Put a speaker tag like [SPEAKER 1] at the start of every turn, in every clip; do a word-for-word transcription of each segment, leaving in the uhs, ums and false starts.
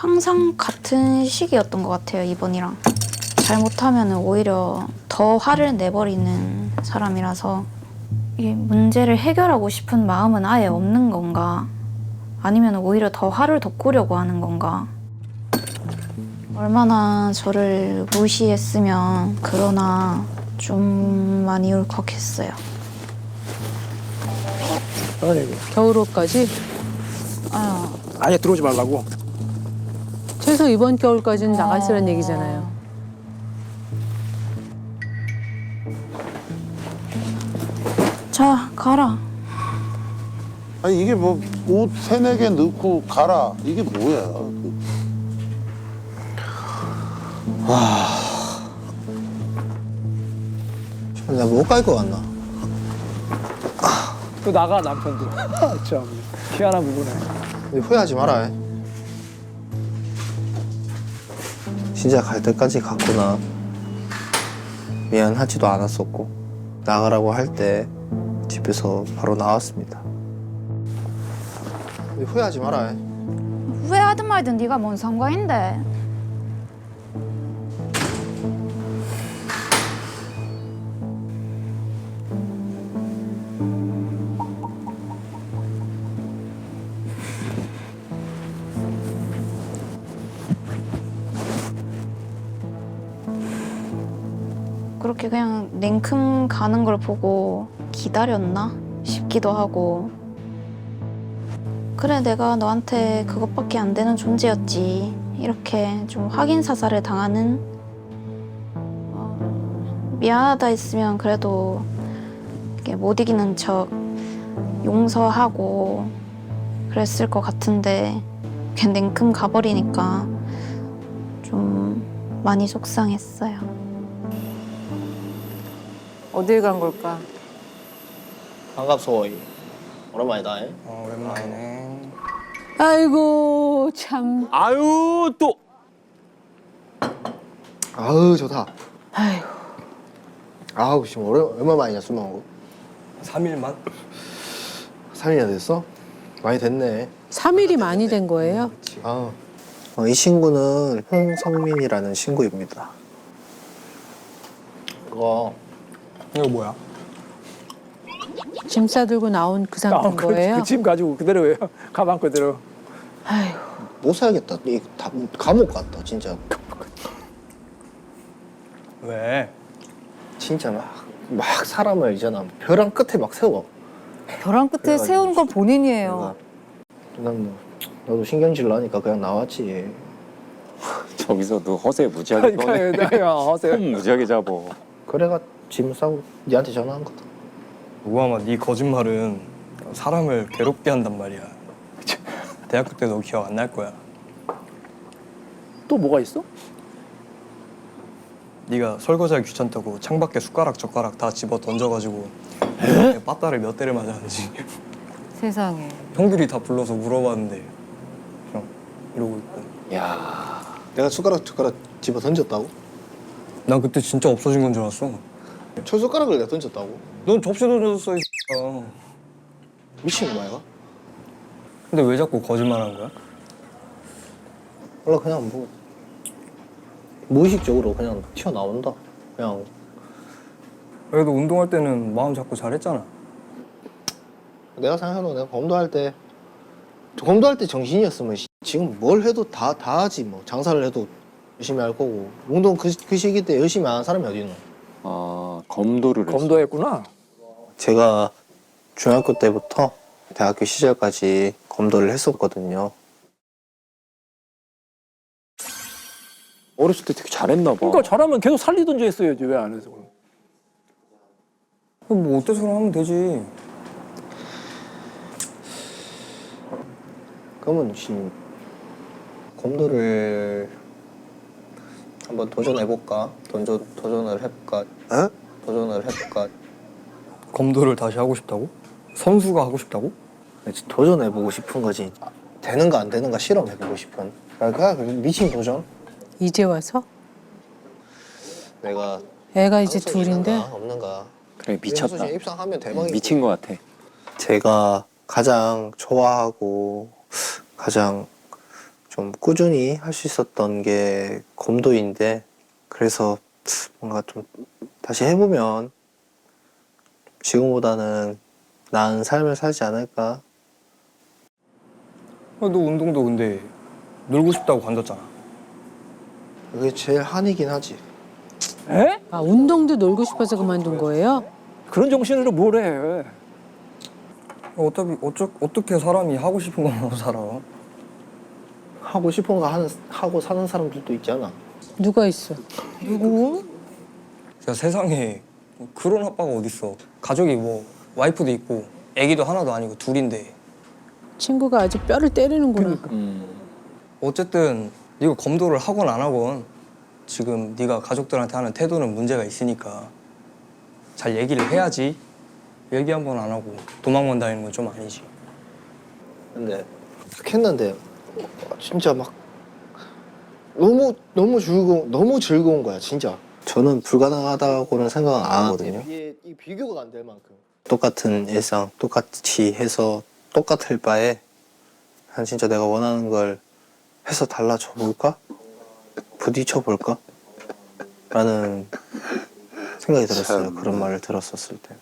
[SPEAKER 1] 항상 같은 시기였던 것 같아요, 이번이랑. 잘못하면 오히려 더 화를 내버리는 사람이라서 이 문제를 해결하고 싶은 마음은 아예 없는 건가? 아니면 오히려 더 화를 돋구려고 하는 건가? 얼마나 저를 무시했으면 그러나 좀 많이 울컥했어요.
[SPEAKER 2] 아이고.
[SPEAKER 3] 겨울옷까지?
[SPEAKER 1] 아,
[SPEAKER 2] 아예 들어오지 말라고.
[SPEAKER 3] 최소 이번 겨울까지는 나가 있으라는 얘기잖아요.
[SPEAKER 1] 자, 가라.
[SPEAKER 4] 아니 이게 뭐 옷 세네 개 넣고 가라 이게 뭐야?
[SPEAKER 5] 나 못 갈 것 같나?
[SPEAKER 2] 또 나가 남편도. 참 희한한 부분에.
[SPEAKER 5] 근데 후회하지 마라. 진짜 갈 때까지 갔구나. 미안하지도 않았었고 나가라고 할 때 집에서 바로 나왔습니다. 근데 후회하지 마라.
[SPEAKER 1] 후회하든 말든 네가 뭔 상관인데. 그렇게 그냥 냉큼 가는 걸 보고 기다렸나 싶기도 하고. 그래, 내가 너한테 그것밖에 안 되는 존재였지. 이렇게 좀 확인 사살을 당하는, 어, 미안하다 했으면 그래도 이렇게 못 이기는 척 용서하고 그랬을 것 같은데 그냥 냉큼 가버리니까 좀 많이 속상했어요.
[SPEAKER 3] 어딜 간 걸까?
[SPEAKER 5] 반갑소. 오랜만이다.
[SPEAKER 2] 어, 오랜만이네.
[SPEAKER 3] 아이고 참.
[SPEAKER 2] 아유 또.
[SPEAKER 5] 아우 좋다.
[SPEAKER 3] 아이고.
[SPEAKER 5] 아우 지금 오래, 얼마 만이냐 술 먹은 거?
[SPEAKER 2] 삼 일만?
[SPEAKER 5] 삼 일이나 됐어? 많이 됐네.
[SPEAKER 3] 삼 일이 많이 된 거예요?
[SPEAKER 5] 아, 어, 이 친구는 홍성민이라는 친구입니다. 그거
[SPEAKER 2] 이거 뭐야?
[SPEAKER 3] 짐 싸들고 나온 그 상태인 거예요?
[SPEAKER 2] 그짐 가지고 그대로예요. 가방 그대로.
[SPEAKER 3] 아이고.
[SPEAKER 5] 못 살겠다. 이 다, 감옥 갔다 진짜.
[SPEAKER 2] 왜?
[SPEAKER 5] 진짜 막, 막 사람을 있잖아 벼랑 끝에 막 세워.
[SPEAKER 6] 벼랑 끝에
[SPEAKER 5] 그래가지고
[SPEAKER 6] 세우는 건 본인이에요.
[SPEAKER 5] 난 뭐 나도 신경질 나니까 그냥 나왔지.
[SPEAKER 7] 저기서도 허세 무지하게 떠네.
[SPEAKER 2] 그러니까요. 하세요.
[SPEAKER 7] 폼 무지하게 잡어.
[SPEAKER 5] 그래가 짐 싸고 니한테 전화한 거다.
[SPEAKER 8] 우아마 네 거짓말은 사람을 괴롭게 한단 말이야. 대학교 때 너 기억 안 날 거야.
[SPEAKER 2] 또 뭐가 있어?
[SPEAKER 8] 네가 설거지하기 귀찮다고 창밖에 숟가락 젓가락 다 집어 던져가지고 빠따를 몇 대를 맞았는지
[SPEAKER 6] 세상에.
[SPEAKER 8] 형들이 다 불러서 물어봤는데 그냥 이러고 있고.
[SPEAKER 5] 야, 내가 숟가락 젓가락 집어 던졌다고?
[SPEAKER 8] 난 그때 진짜 없어진 건 줄 알았어.
[SPEAKER 5] 저 숟가락을 내가 던졌다고?
[SPEAKER 8] 넌 접시 던졌어 이 X야.
[SPEAKER 5] 미친 거 말가?
[SPEAKER 8] 근데 왜 자꾸 거짓말하는 거야?
[SPEAKER 5] 원래 그냥 뭐 무의식적으로 그냥 튀어나온다. 그냥
[SPEAKER 8] 그래도 운동할 때는 마음 잡고 잘했잖아.
[SPEAKER 5] 내가 생각해도 내가 검도할 때 검도할 때 정신이었으면 지금 뭘 해도 다, 다 하지 뭐. 장사를 해도 열심히 할 거고 운동 그, 그 시기 때 열심히 안 하는 사람이 어디 있노.
[SPEAKER 7] 아 검도를 했어.
[SPEAKER 2] 검도했구나.
[SPEAKER 5] 제가 중학교 때부터 대학교 시절까지 검도를 했었거든요.
[SPEAKER 7] 어렸을 때 되게 잘했나 봐.
[SPEAKER 2] 그러니까 잘하면 계속 살리든지 했어야지 왜 안 해서 그럼.
[SPEAKER 8] 그럼 뭐 어때서 하면 되지.
[SPEAKER 5] 그러면 지금 검도를 한번 도전해볼까? 도전, 도전을 해볼까? 에? 도전을 해볼까?
[SPEAKER 8] 검도를 다시 하고 싶다고? 선수가 하고 싶다고?
[SPEAKER 5] 도전해보고 싶은 거지. 되는가 안 되는가 실험해보고 싶은. 그러니까 미친 도전?
[SPEAKER 3] 이제 와서?
[SPEAKER 5] 내가
[SPEAKER 3] 애가 이제
[SPEAKER 5] 방송
[SPEAKER 3] 둘인데?
[SPEAKER 5] 있는가 없는가.
[SPEAKER 7] 그래 미쳤다.
[SPEAKER 5] 방송에 입상하면 대박이지.
[SPEAKER 7] 미친 것 같아.
[SPEAKER 5] 제가 가장 좋아하고 가장 좀 꾸준히 할 수 있었던 게 검도인데 그래서 뭔가 좀 다시 해보면 지금보다는 나은 삶을 살지 않을까.
[SPEAKER 8] 어, 너 운동도 근데 놀고 싶다고 관뒀잖아.
[SPEAKER 5] 그게 제일 한이긴 하지.
[SPEAKER 2] 에?
[SPEAKER 3] 아, 운동도 놀고 싶어서 그만둔 거예요?
[SPEAKER 2] 그런 정신으로 뭘 해?
[SPEAKER 8] 어차피 어쩌, 어떻게 사람이 하고 싶은 것만 살아?
[SPEAKER 5] 하고 싶은 거 하는, 하고 사는 사람들도 있잖아.
[SPEAKER 3] 누가 있어?
[SPEAKER 6] 누구?
[SPEAKER 8] 야, 세상에 그런 아빠가 어딨어. 가족이 뭐 와이프도 있고 애기도 하나도 아니고 둘인데
[SPEAKER 3] 친구가 아주 뼈를 때리는구나.
[SPEAKER 7] 음.
[SPEAKER 8] 어쨌든 네가 검도를 하건 안 하건 지금 네가 가족들한테 하는 태도는 문제가 있으니까 잘 얘기를 해야지. 얘기 한 번 안 하고 도망만 다니는 건 좀 아니지.
[SPEAKER 5] 근데 그렇게 했는데 진짜 막 너무 너무 즐거운 너무 즐거운 거야 진짜. 저는 불가능하다고는 생각 안 하거든요. 이게 이 비교가 안 될 만큼 똑같은 일상 똑같이 해서 똑같을 바에 한 진짜 내가 원하는 걸 해서 달라져 볼까? 부딪혀 볼까? 라는 생각이 들었어요.
[SPEAKER 4] 참.
[SPEAKER 5] 그런 말을 들었었을 때.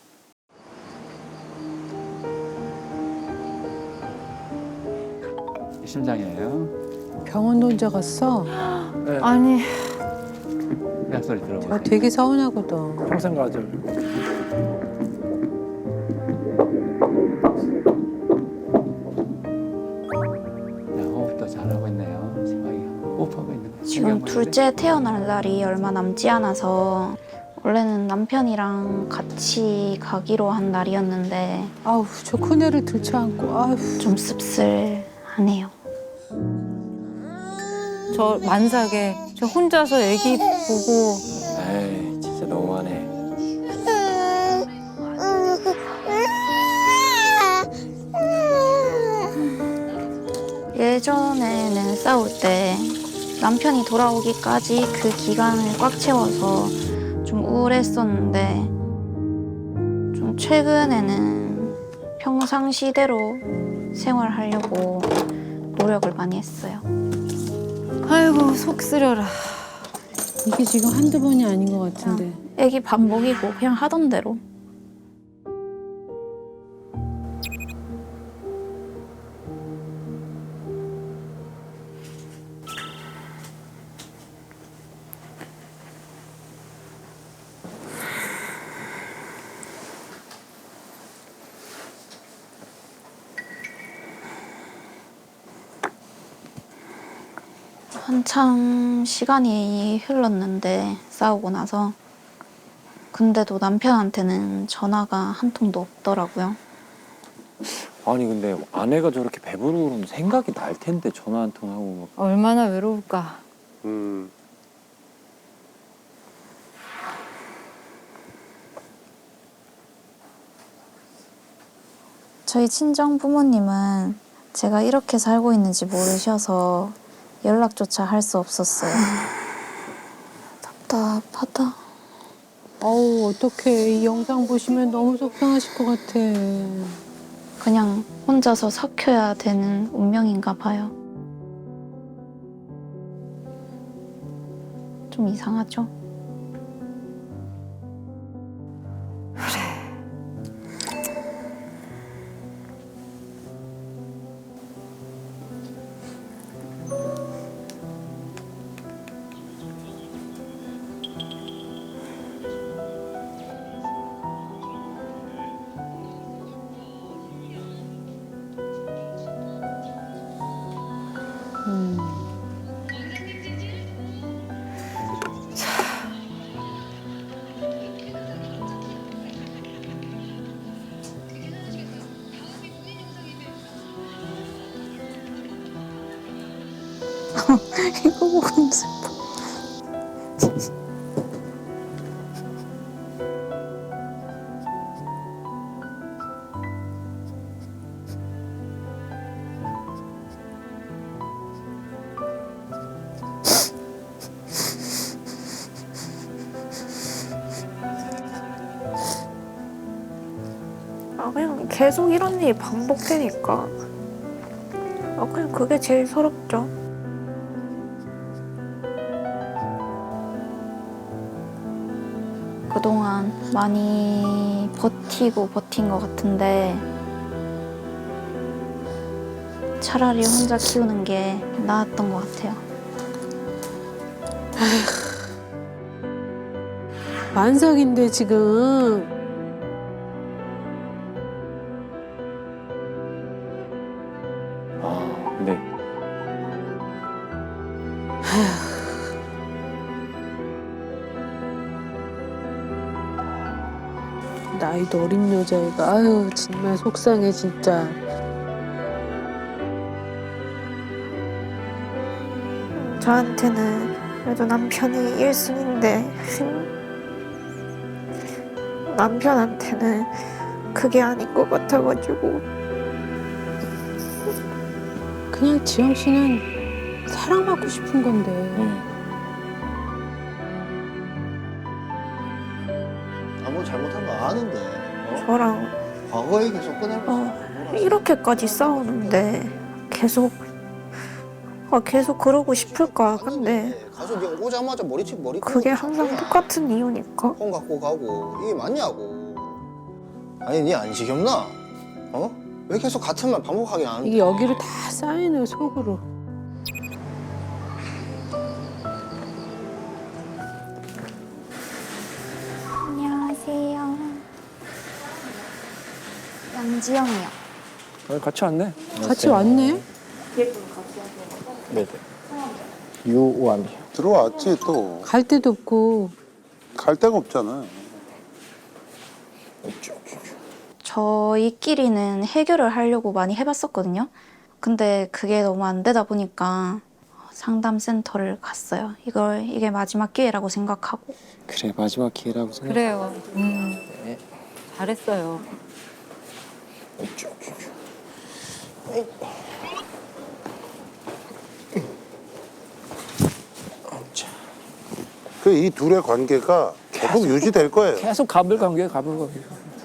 [SPEAKER 9] 심장이에요.
[SPEAKER 3] 병원도 혼자 갔어?
[SPEAKER 2] 네.
[SPEAKER 1] 아니
[SPEAKER 9] 약소리 들어보세요.
[SPEAKER 3] 아, 되게 서운하거든.
[SPEAKER 2] 평생 가죠.
[SPEAKER 9] 자, 호흡도 잘하고 있네요. 심하게 호흡하고 있는 거.
[SPEAKER 1] 지금 둘째 태어날 날이 얼마 남지 않아서 원래는 남편이랑 같이 가기로 한 날이었는데
[SPEAKER 3] 아우, 저 큰애를 들쳐안고, 아우.
[SPEAKER 1] 좀 씁쓸하네요.
[SPEAKER 6] 저 만삭에 저 혼자서 애기 보고
[SPEAKER 7] 에이, 진짜 너무하네.
[SPEAKER 1] 예전에는 싸울 때 남편이 돌아오기까지 그 기간을 꽉 채워서 좀 우울했었는데 좀 최근에는 평상시대로 생활하려고 노력을 많이 했어요.
[SPEAKER 6] 아이고 속 쓰려라.
[SPEAKER 3] 이게 지금 한두 번이 아닌 것 같은데.
[SPEAKER 1] 애기 밥 먹이고 그냥 하던 대로. 한참 시간이 흘렀는데 싸우고 나서 근데도 남편한테는 전화가 한 통도 없더라고요.
[SPEAKER 7] 아니 근데 아내가 저렇게 배부르고 그러면 생각이 날 텐데 전화 한 통 하고 막.
[SPEAKER 6] 얼마나 외로울까.
[SPEAKER 4] 음.
[SPEAKER 1] 저희 친정 부모님은 제가 이렇게 살고 있는지 모르셔서 연락조차 할 수 없었어요. 답답하다.
[SPEAKER 3] 어우, 어떡해. 이 영상 보시면 너무 속상하실 것 같아.
[SPEAKER 1] 그냥 혼자서 삭혀야 되는 운명인가 봐요. 좀 이상하죠?
[SPEAKER 3] 음.
[SPEAKER 1] 이거 보고 슬퍼. 아, 그냥 계속 이런 일이 반복되니까 아, 그냥 그게 제일 서럽죠. 그동안 많이 버티고 버틴 것 같은데 차라리 혼자 키우는 게 나았던 것 같아요.
[SPEAKER 3] 만삭인데 지금.
[SPEAKER 7] 아, 네.
[SPEAKER 3] 나이도 어린 여자애가 아유 정말 속상해 진짜.
[SPEAKER 1] 저한테는 그래도 남편이 일 순위인데 남편한테는 그게 아닌 것 같아가지고
[SPEAKER 3] 그냥 지영 씨는 사랑받고 싶은 건데.
[SPEAKER 5] 아무 잘못한 거 아는데. 어?
[SPEAKER 1] 저랑
[SPEAKER 5] 과거 얘기 계속 꺼내면서.
[SPEAKER 1] 어, 이렇게까지 싸우는데 계속 아, 계속 그러고 싶을까 근데
[SPEAKER 5] 가서 그냥 오자마자 머리치 머리.
[SPEAKER 1] 그게 항상 똑같은 이유니까.
[SPEAKER 5] 폰 갖고 가고 이게 맞냐고. 아니 니 안 지겹나? 어? 왜 계속 같은 말 반복하게 안?
[SPEAKER 3] 이게 여기로 다 쌓이는 속으로.
[SPEAKER 1] 안녕하세요. 양지영이요.
[SPEAKER 2] 아, 같이 왔네.
[SPEAKER 3] 같이 왔네.
[SPEAKER 5] 네네. 유오함이.
[SPEAKER 4] 들어왔지 또.
[SPEAKER 3] 갈 데도 없고.
[SPEAKER 4] 갈 데가 없잖아.
[SPEAKER 1] 저희끼리는 해결을 하려고 많이 해봤었거든요. 근데 그게 너무 안 되다 보니까 상담센터를 갔어요. 이걸 이게 마지막 기회라고 생각하고.
[SPEAKER 7] 그래, 마지막 기회라고 생각.
[SPEAKER 6] 그래요. 음. 잘했어요.
[SPEAKER 4] 그 이 둘의 관계가 계속 유지될 거예요.
[SPEAKER 2] 계속 가불관계, 가불관계.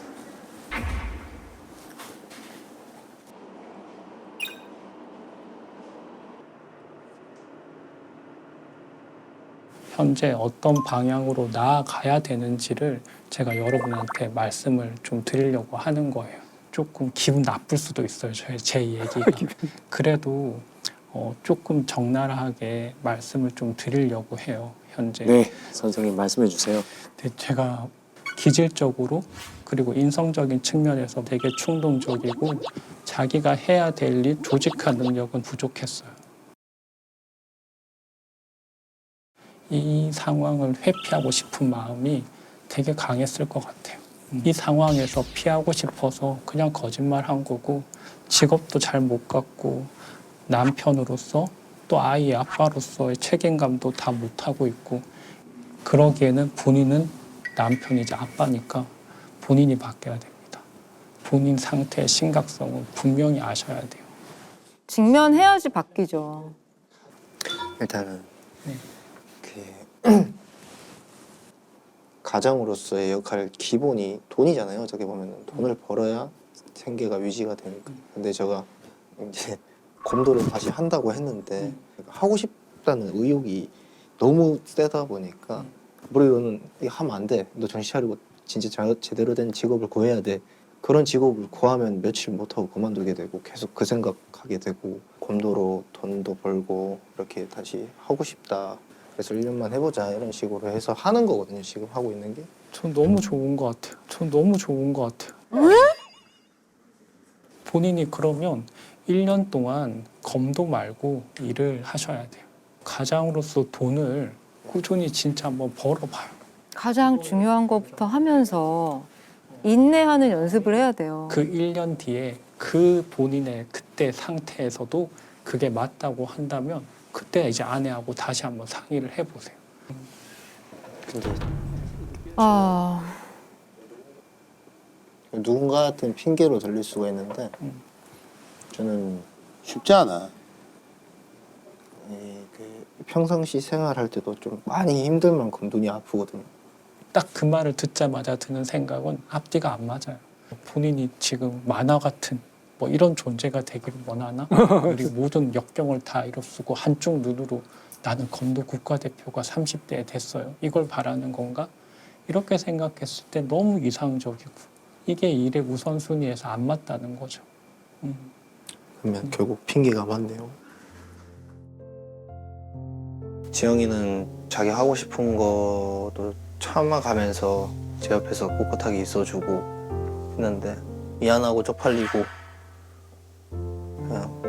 [SPEAKER 10] 현재 어떤 방향으로 나아가야 되는지를 제가 여러분한테 말씀을 좀 드리려고 하는 거예요. 조금 기분 나쁠 수도 있어요, 제, 제 얘기가. 그래도 어, 조금 적나라하게 말씀을 좀 드리려고 해요, 현재.
[SPEAKER 7] 네, 선생님 말씀해 주세요.
[SPEAKER 10] 근데 제가 기질적으로 그리고 인성적인 측면에서 되게 충동적이고 자기가 해야 될 일 조직화 능력은 부족했어요. 이 상황을 회피하고 싶은 마음이 되게 강했을 것 같아요. 이 상황에서 피하고 싶어서 그냥 거짓말한 거고 직업도 잘 못 갖고 남편으로서 또 아이의 아빠로서의 책임감도 다 못하고 있고 그러기에는 본인은 남편이자 아빠니까 본인이 바뀌어야 됩니다. 본인 상태의 심각성은 분명히 아셔야 돼요.
[SPEAKER 6] 직면해야지 바뀌죠.
[SPEAKER 5] 일단은
[SPEAKER 10] 네.
[SPEAKER 5] 그 가장으로서의 역할 기본이 돈이잖아요. 어떻게 보면은 돈을 벌어야 생계가 유지가 되니까. 근데 제가 이제 검도를 다시 한다고 했는데 하고 싶다는 의욕이 너무 세다 보니까 머리로는 이거 하면 안 돼. 너 정신 차리고 진짜 자- 제대로 된 직업을 구해야 돼. 그런 직업을 구하면 며칠 못하고 그만두게 되고 계속 그 생각하게 되고 검도로 돈도 벌고 이렇게 다시 하고 싶다. 그래서 일 년만 해보자 이런 식으로 해서 하는 거거든요. 지금 하고 있는 게.
[SPEAKER 10] 전 너무 좋은 것 같아요. 전 너무 좋은 것 같아요. 본인이 그러면 일 년 동안 검도 말고 일을 하셔야 돼요. 가장으로서 돈을 꾸준히 진짜 한번 벌어봐요.
[SPEAKER 6] 가장 중요한 것부터 하면서 인내하는 연습을 해야 돼요.
[SPEAKER 10] 그 일 년 뒤에 그 본인의 그때 상태에서도 그게 맞다고 한다면 그때 이제 아내하고 다시 한번 상의를 해보세요.
[SPEAKER 5] 근데
[SPEAKER 6] 아,
[SPEAKER 5] 누군가한테는 핑계로 들릴 수가 있는데 저는
[SPEAKER 4] 쉽지 않아.
[SPEAKER 5] 이, 그 평상시 생활할 때도 좀 많이 힘들 만큼 눈이 아프거든요.
[SPEAKER 10] 딱 그 말을 듣자마자 드는 생각은 앞뒤가 안 맞아요. 본인이 지금 만화 같은 뭐 이런 존재가 되기를 원하나? 우리 모든 역경을 다 이뤄쓰고 한쪽 눈으로 나는 검도 국가대표가 삼십 대에 됐어요. 이걸 바라는 건가? 이렇게 생각했을 때 너무 이상적이고 이게 일의 우선순위에서 안 맞다는 거죠. 음.
[SPEAKER 5] 그러면 결국 핑계가 맞네요. 지영이는 자기 하고 싶은 것도 참아가면서 제 옆에서 꿋꿋하게 있어주고 했는데 미안하고 쪽팔리고 그냥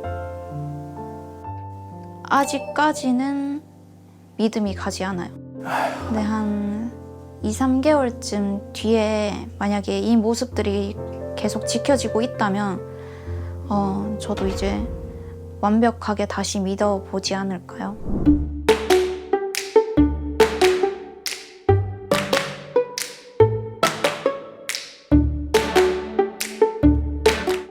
[SPEAKER 1] 아직까지는 믿음이 가지 않아요. 근데 한 이, 삼 개월쯤 뒤에 만약에 이 모습들이 계속 지켜지고 있다면 어, 저도 이제 완벽하게 다시 믿어보지 않을까요?